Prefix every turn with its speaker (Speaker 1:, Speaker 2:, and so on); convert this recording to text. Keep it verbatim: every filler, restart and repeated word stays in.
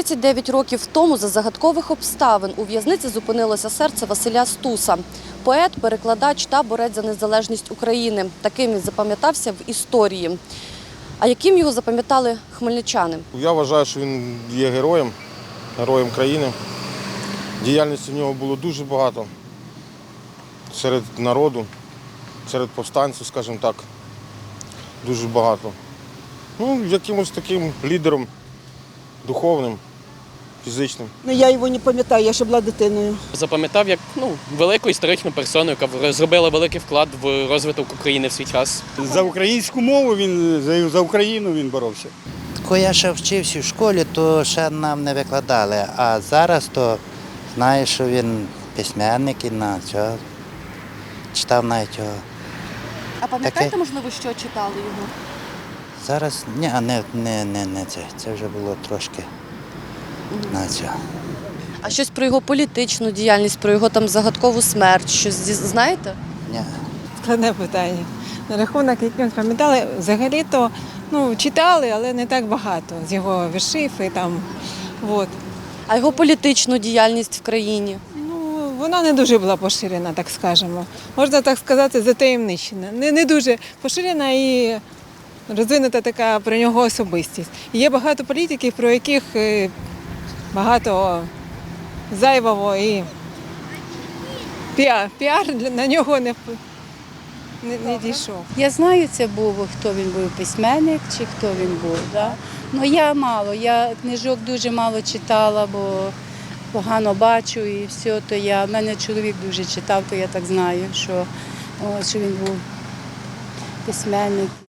Speaker 1: тридцять дев'ять років тому за загадкових обставин у в'язниці зупинилося серце Василя Стуса. Поет, перекладач та борець за незалежність України. Таким він запам'ятався в історії. А яким його запам'ятали хмельничани?
Speaker 2: Я вважаю, що він є героєм, героєм країни. Діяльності в нього було дуже багато серед народу, серед повстанців, скажімо так, дуже багато. Ну, якимось таким лідером духовним, фізичним.
Speaker 3: Ну, я його не пам'ятаю, я ще була дитиною.
Speaker 4: Запам'ятав як ну, велику історичну персону, яка зробила великий вклад в розвиток України в свій час.
Speaker 5: За українську мову він, за, за Україну він боровся.
Speaker 6: Коли я ще вчився в школі, то ще нам не викладали, а зараз то знаю, що він письменник і на цього читав навіть його.
Speaker 1: А пам'ятаєте,
Speaker 6: Таке?
Speaker 1: можливо, що читали його?
Speaker 6: Зараз ні, а не, не, не, не це. Це вже було трошки на цього.
Speaker 1: А щось про його політичну діяльність, про його там загадкову смерть, щось знаєте?
Speaker 6: Ні.
Speaker 7: Складне питання. На рахунок, як ми пам'ятали, взагалі-то ну, читали, але не так багато з його віршів і там. От.
Speaker 1: А його політичну діяльність в країні?
Speaker 7: Ну, вона не дуже була поширена, так скажемо. Можна так сказати, затаємничена. Не, не дуже поширена і розвинута така про нього особистість. Є багато політиків, про яких е, багато зайвого і піар, піар на нього не, не, не дійшов.
Speaker 8: Я знаю, це був, хто він був, письменник чи хто він був. Да? Ну я мало, я книжок дуже мало читала, бо погано бачу і все, то я, в мене чоловік дуже читав, то я так знаю, що, о, що він був письменник.